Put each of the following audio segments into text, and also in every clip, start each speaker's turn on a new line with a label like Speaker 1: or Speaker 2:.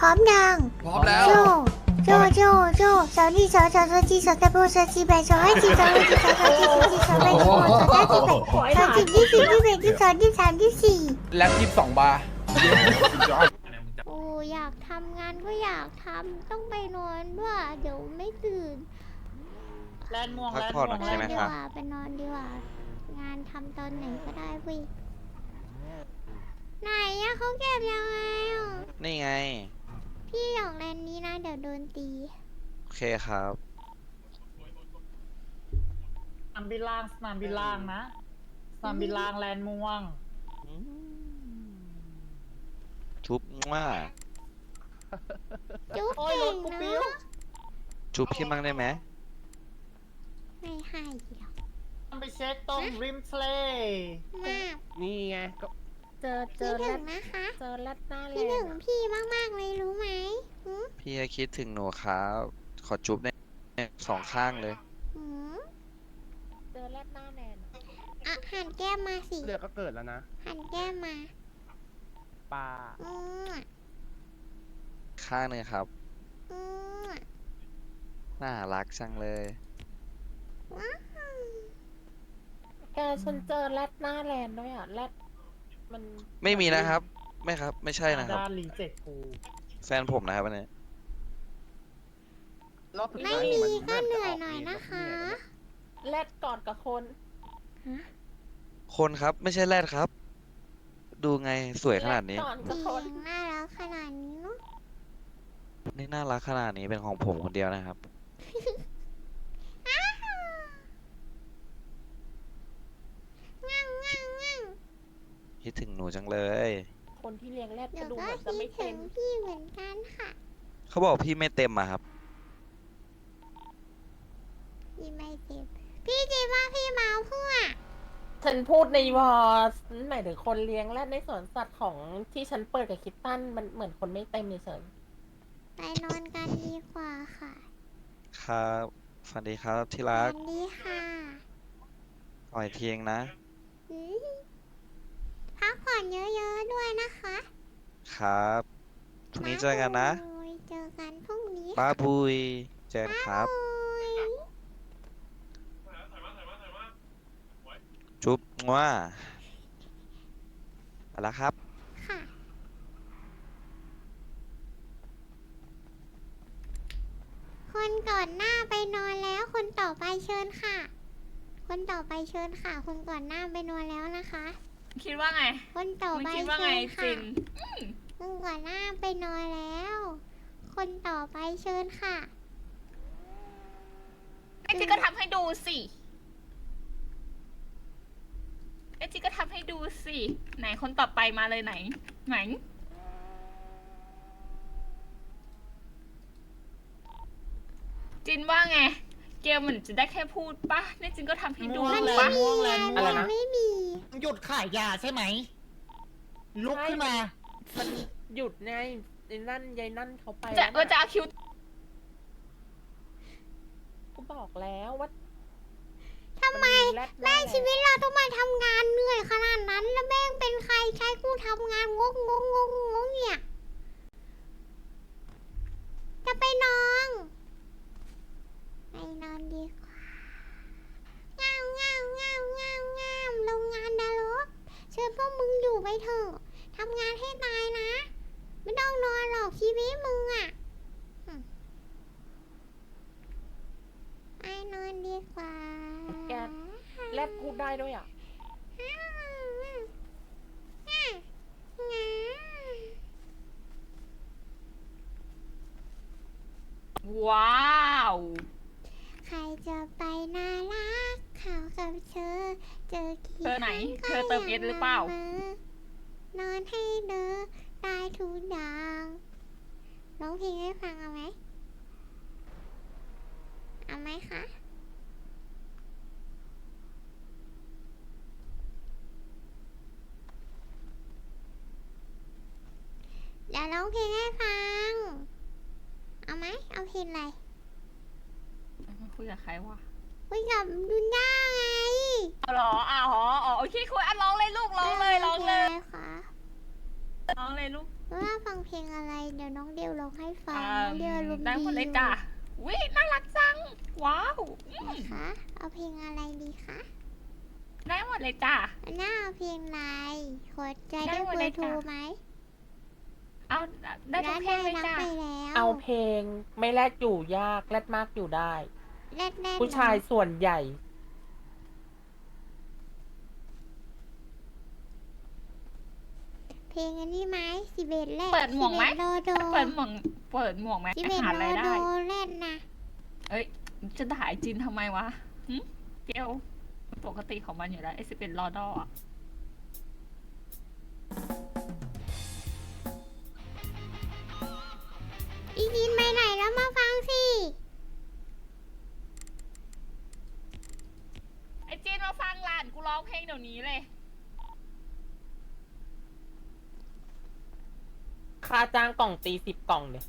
Speaker 1: ร้อมยัง
Speaker 2: พร้อมแล้ว
Speaker 1: โจโจสาวนี่สาวจีสาวตะโบสาวจีแบสาวให้จีสาวให้จีสาวจีสาวจีสาวแบสาวสาวจีแบสาวจีที่สี่ที่แบที่สองที่สามที่สี่
Speaker 2: แล็บ22 บาร์
Speaker 1: โอ้อยากทำงานก็อยากทำต้องไปนอนด้วยเดี๋ยวไม่ตื่น
Speaker 3: แลนม่วง
Speaker 4: พัก
Speaker 3: แลน
Speaker 4: ผ่อน
Speaker 3: ม่วง
Speaker 4: ใช่ไหม
Speaker 1: ดี
Speaker 4: ค
Speaker 1: ก
Speaker 4: รับ
Speaker 1: ว่าไปนอนดีกว่า งานทำตอนไหนก็ได้เว้ยไหนอะเขาเก็บยังไงอะ
Speaker 4: นี่ไง
Speaker 1: พี่อยากเล่นนี้นะเดี๋ยวโดนตี
Speaker 4: โอเคครับ
Speaker 3: สนามบินล่างสนามบินล่างนะสนามบินล่างแลนม่วง
Speaker 4: ชุบว่า
Speaker 1: จุ๊บ
Speaker 3: โอ้ย
Speaker 1: เก่
Speaker 3: รง ถกู
Speaker 1: เน
Speaker 3: ปิ้ว
Speaker 1: อะ
Speaker 4: ชุบพี่มั่งได้ไหม
Speaker 1: ไม่ให้หรอก
Speaker 3: ต้องไปเช็คตรงริมทะเล
Speaker 1: มาก
Speaker 2: นี่ไงก็
Speaker 5: เจอ
Speaker 1: คิด
Speaker 5: แร
Speaker 1: ถึ
Speaker 5: ด
Speaker 1: งนะคะ
Speaker 5: เจอแรดหน้าเล
Speaker 1: คิด
Speaker 5: ย
Speaker 1: ถึงพี่มากๆเลยรู้ไหมหืม
Speaker 4: พี่ก็คิดถึงหนูครับ ขอจุบได้สองข้างเลย
Speaker 1: หืม
Speaker 5: เจอแรดหน้าแนน
Speaker 1: อ่ะหันแก้มมาสิ
Speaker 2: เลือดก็เกิดแล้วนะ
Speaker 1: หันแก้มมา
Speaker 2: ปลา
Speaker 1: อืม
Speaker 4: ข้างหนึงครับ
Speaker 1: อืม
Speaker 4: น่ารักจังเลย
Speaker 1: ว้าว
Speaker 5: แกฉันเจอแรดหน้าแลนด้วยอ่ะแรดมัน
Speaker 4: ไม่มีนะครับ ไม่ครับ ไม่ใช่นะครับ
Speaker 3: ด้านรีเจ็คกู
Speaker 4: แฟนผมนะครับอันนี้
Speaker 2: รอบสุด
Speaker 1: ไม่
Speaker 2: ท้าย
Speaker 1: มี
Speaker 2: มัน
Speaker 1: ก็
Speaker 2: ริ่ม
Speaker 1: เห
Speaker 2: จะ
Speaker 1: นื่อย
Speaker 2: ก
Speaker 1: หน่อยนะคะ
Speaker 5: แรดกอดกับคน
Speaker 1: ฮะ
Speaker 4: คนครับ ไม่ใช่แรดครับ ดูไงสวยขนาดนี้
Speaker 5: แรกอดกับ
Speaker 1: เสี
Speaker 5: ค
Speaker 1: ย
Speaker 5: น
Speaker 1: งน่ารักขนาดนี้เนาะ
Speaker 4: นี่น่ารักขนาดนี้เป็นของผมคนเดียวนะครับ
Speaker 1: อ้าวงั่งงั่งงั่ง
Speaker 4: คิดถึงหนูจังเลย
Speaker 5: คนที่เลี้ยงแรด
Speaker 1: เดี๋
Speaker 5: ก็
Speaker 1: ยว
Speaker 5: ดู
Speaker 1: ก็
Speaker 5: เหมือนจะ
Speaker 1: คิ
Speaker 5: ไม่
Speaker 1: ดถึ
Speaker 5: เต็
Speaker 1: ง
Speaker 5: ม
Speaker 1: พี่เหมือนกันค่ะ
Speaker 4: เขาบอกพี่ไม่เต็มอะครับ
Speaker 1: พี่ไม่เจ็บพี่คิดว่าพี่เมาเพื่อ
Speaker 5: ฉันพูดในวอร์หมายถึงคนเลี้ยงแรดในสวนสัตว์ของที่ฉันเปิดกับคิตตันมันเหมือนคนไม่เต็มเฉย
Speaker 1: ไปนอนกันดีกว่าค่ะ
Speaker 4: ครับฝันดีครับที่
Speaker 1: วั
Speaker 4: รัก
Speaker 1: นดีค่ะ
Speaker 4: อ่อยเทียงนะ
Speaker 1: อืมพักผ่อนเยอะๆด้วยนะคะ
Speaker 4: ครับพรุ่งนี้เจอกันนะ
Speaker 1: บ๊ายบายเจอกันพรุ่งนี้
Speaker 4: บ้าบุยเจอกันครับ
Speaker 1: บ๊ายบาย
Speaker 4: จุ๊บว่าไปแล้วครับ
Speaker 1: ค่ะ คนก่อนหน้าไปนอนแล้ว คนต่อไปเชิญค่ะ คนต่อไปเชิญค่ะ คนก่อนหน้าไปนอนแล้วนะคะ
Speaker 6: คิดว่าไง
Speaker 1: คนต่อ
Speaker 6: มึง
Speaker 1: ไป
Speaker 6: คิดว่า
Speaker 1: เชิ
Speaker 6: ไง
Speaker 1: ญ
Speaker 6: จิ
Speaker 1: ค่ะ
Speaker 6: น
Speaker 1: คนก่อนหน้าไปนอนแล้ว คนต่อไปเชิญค่ะ
Speaker 6: ไอจินก็ทำให้ดูสิไอจินก็ทำให้ดูสิ ไหนคนต่อไปมาเลยไหน ไหน จินว่าไง เกลเหมือนจะได้แค่พูดปะนี่จินก็ทำให้ดู
Speaker 3: ม่วง
Speaker 1: มัน
Speaker 3: แล
Speaker 1: ไม่
Speaker 3: น
Speaker 1: มี
Speaker 3: ม่วงแล
Speaker 1: ไง
Speaker 3: น
Speaker 1: มั
Speaker 3: ม่วง
Speaker 1: นไม่มี
Speaker 3: หยุดขายยาใช่ไหม ลุกขึ้นมา
Speaker 5: ๆมันหยุดไงไอ้นั่นยายนั่นเขาไป
Speaker 6: จะ
Speaker 5: แล้ว
Speaker 6: จะเอาคิว
Speaker 5: กูบอกแล้วว่า
Speaker 1: ทำไม
Speaker 5: นแรดหน้า
Speaker 1: แม่ง
Speaker 5: แลน
Speaker 1: ชีวิตเราต้องมาทำงานเหนื่อยขนาดนั้น แล้วแม่งเป็นใครใช้กูทำงานงกเนี่ย จะไปนอนไปนอนดีกว่าเงาโรงงานนรกเชิญพวกมึงอยู่ไปเถอะทำงานให้ตายนะ ไม่ต้องนอนหรอกชีวิตมึงอะไปนอนดีกว่า
Speaker 5: แกแรดพูดได้ด้วยอ่ะ
Speaker 6: ว้าว
Speaker 1: ใครจะไปน่ารักเขากับเธอ เจอกี่
Speaker 6: เธอไหน
Speaker 1: ครั้ง
Speaker 6: เธอเติมเอสหรือเปล่า
Speaker 1: ก็ยังละเมอนอนให้เดอได้ทุกอย่างร้องเพลงให้ฟังเอาไหมเอาไหมคะเดี๋ยวร้องเพลงให้ฟัง เอาไหมเอาเพลงอะไร
Speaker 6: คุยกับใครวะ
Speaker 1: คุยกับดุนย่าไง
Speaker 6: เอาเหรออ๋อโอเคคุยอ่ะร้องเลยลูกร้องเลยร้องเลย
Speaker 1: พงะไรคะ
Speaker 6: ร้องเลยลูก
Speaker 1: ว่าฟังเพลงอะไรเดี๋ยวน้องเดียวร้องให้ฟัง
Speaker 6: อ่า
Speaker 1: น้องเดียวรวม
Speaker 6: ได้
Speaker 1: ดี
Speaker 6: หมดเลยจ้ะวิน่ารักจัง ว้าวอืม
Speaker 1: คะเอาเพลงอะไรดีคะ
Speaker 6: ได้หมดเลยจ้ะ
Speaker 1: น่าเอาเพลงอะไรขอใจ
Speaker 6: ได้
Speaker 1: ได้
Speaker 6: หมด
Speaker 1: เบ
Speaker 6: เล
Speaker 1: อย ร์โทร
Speaker 6: จ้ะ
Speaker 1: ไหม
Speaker 6: เอาได้ทุกเพลงเลย
Speaker 1: รับ
Speaker 6: จ้ะ
Speaker 1: ไปแล้ว
Speaker 5: เอาเพลงไม่แลกอยู่ยากแลกมากอยู่ได้
Speaker 1: แรดแรด
Speaker 5: ผู้ชายส่วนใหญ่
Speaker 1: เพลงอันนี้ไหม11แรด
Speaker 6: เปิดหมวกไหม
Speaker 1: 11โลโด
Speaker 6: เปิดหมวกไหม
Speaker 1: 11
Speaker 6: หา
Speaker 1: โล
Speaker 6: ราย
Speaker 1: โด
Speaker 6: ได้
Speaker 1: แรดนะ
Speaker 6: เอ้ย จะด่าไอจินทำไมวะหึเกลปกติของมันอยู่แล้วไอ11รอดออะ
Speaker 1: อีดินไปไหนแล้วมาฟังสิ
Speaker 6: ไอจินมาฟังหลานกูร้องเพลงเดี๋ยวนี้เลย
Speaker 5: ค่าจ้างกล่องตี10 กล่องเนี่ย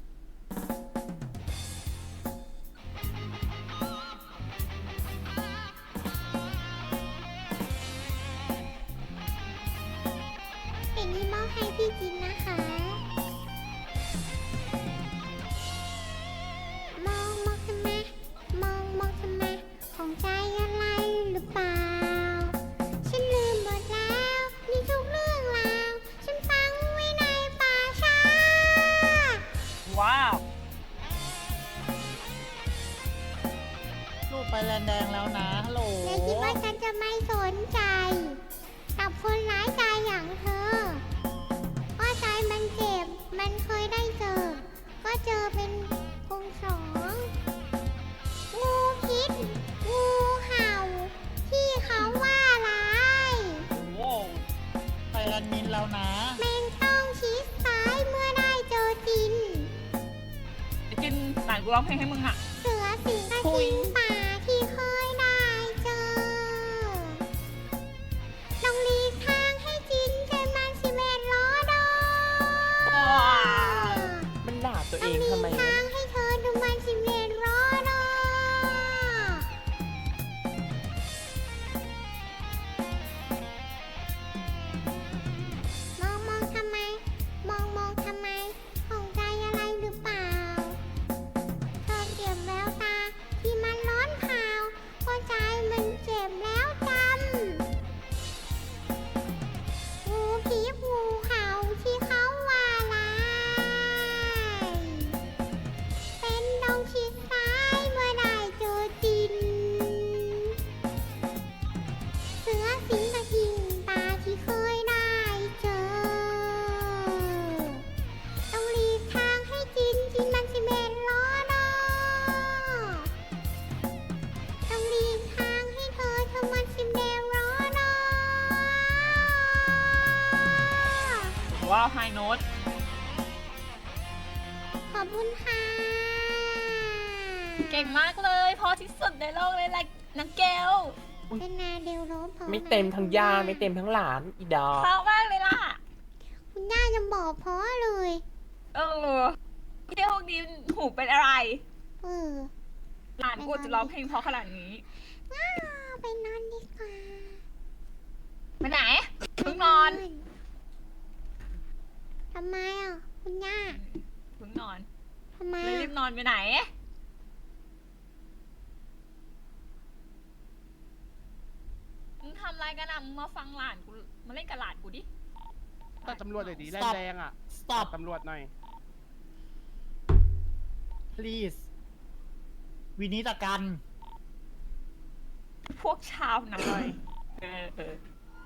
Speaker 1: เพลงนี้มอบให้พี่จินนะคะ มองมองทำไมมองมองทำไมของใจอะไรหรือเปล่า ฉันลืมหมดแล้วนี่ทุกเรื่องราวฉันฟังไว้ในป่าช้า
Speaker 6: ว้าว
Speaker 3: ลูกไปแลนแดงแล้วนะฮัลโหล
Speaker 1: อย่าคิดว่าฉันจะไม่สนใจ กับคนร้ายใจอย่างเธอว่าใจมันเจ็บ มันเคยได้เจอ ก็เจอเป็นคงสอง งูพิษ งูเห่า ที่เขาว่าร้าย
Speaker 3: โว้วไปแลนมินแล้วนะ
Speaker 1: แม่งต้องชิดซ้ายเมื่อได้เจอจิน
Speaker 6: ไอจินหลานกูร้องเพลงให้มึงอะ
Speaker 1: เสือสิงกระทิงป่าที่เคยได้เจอ ต้องหลีกทางให้จินจนมัน11ล้อดอ
Speaker 5: มันด่าตัว
Speaker 1: ต้
Speaker 5: เอ
Speaker 1: อง
Speaker 5: ง
Speaker 1: หลี
Speaker 5: ทำไม
Speaker 1: กทางให้เธอดูมัน11ล้อดอมองมองทำไม มองมองทำไมของใจอะไรหรือเปล่า เธอเก็บแววตาที่มันร้อนเผาหัวใจมันเจ็บแล้วจำ งูพิษงูเห่าที่เขาว่าร้าย เป็นดงชิดซ้ายเมื่อได้เจอจิน เสือสิงกระทิงตาที่เคยได้เจอ ต้องหลีกทางให้จินจินมัน11ล้อดอ ต้องหลีกทางให้เธอเธอมัน11ล้อดอ
Speaker 6: ว้าวไฮโน้ต
Speaker 1: ขอบคุณค่ะ
Speaker 6: เก่งมากเลย พอที่สุดในโลกเลยแหละนักเกล
Speaker 1: เป็นนาเดลโรบพอ
Speaker 5: ไม่เต็มทั้งย่าไม่เต็มทั้งหลานอีดอก
Speaker 6: เพราะมากเลยล่ะ
Speaker 1: คุณย่ายังบอกเพราะเลย
Speaker 6: เออเที่ยวนี้หูเป็นอะไร
Speaker 1: เออ
Speaker 6: หลานกูจะร้องเพลงเพราะขนาดนี้
Speaker 1: ว้าวไปนอนดีกว่า
Speaker 6: ไปไหนเพิ่งนอน
Speaker 1: ทำไมอ่ะ คุณย่า
Speaker 6: เพิ่งนอน
Speaker 1: ทำไม
Speaker 6: เลยรี
Speaker 1: อ่ะ
Speaker 6: บนอนไปไหน มึงทำอะไรกันอ่ะมึงมาฟังหลานกู มาเล่นกับหลานกูดิ
Speaker 2: ตัดตำรวจเลยดิแรง
Speaker 3: Stop
Speaker 2: แรงๆอ่ะ
Speaker 3: stop
Speaker 2: ตำรวจหน่อย
Speaker 3: please วินิตกัน
Speaker 6: พวกชาวนาเลยเออ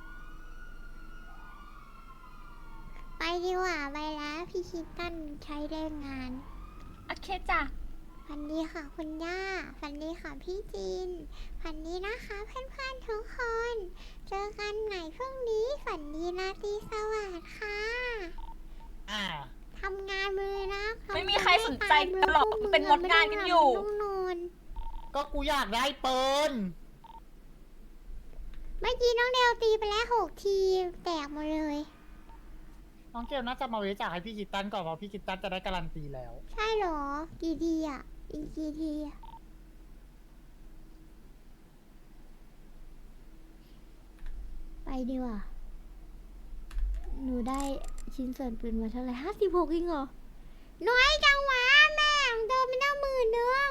Speaker 1: ไปดีกว่าไปแล้วพี่คิดตันใช้แรงงาน
Speaker 6: โอเคจ้ะ
Speaker 1: ฝันดีค่ะคุณย่า ฝันดีค่ะพี่จีน ฝันดีนะคะเพื่อนๆทุกคน เจอกันใหม่พรุ่งนี้ ฝันดีราตรีสวัสดิ์ค่ะ
Speaker 3: อ่า
Speaker 1: ทำงานมือนะ
Speaker 6: ไม่มีใครสนใจกันหรอกเป็นมดงานกันอยู่
Speaker 1: ต้องนอน
Speaker 3: ก็กูอยากได้เปิล
Speaker 1: เมื่อกี้น้องเดลตีไปแล้ว6 ทีแตกหมดเลย
Speaker 3: น้องเกลน่าจะมาเวจากให้พี่กิตตันก่อนเพราะพี่กิตตันจะได้การันตีแล้ว
Speaker 1: ใช่เหรอ กี่ทีอ่ะ อีกกี่ทีอ่ะ ไปดีกว่า หนูได้ชิ้นส่วนปืนมาเท่าไหร่56เองเหรอน้อยจังวะแม่ของเธอไม่ได้10,000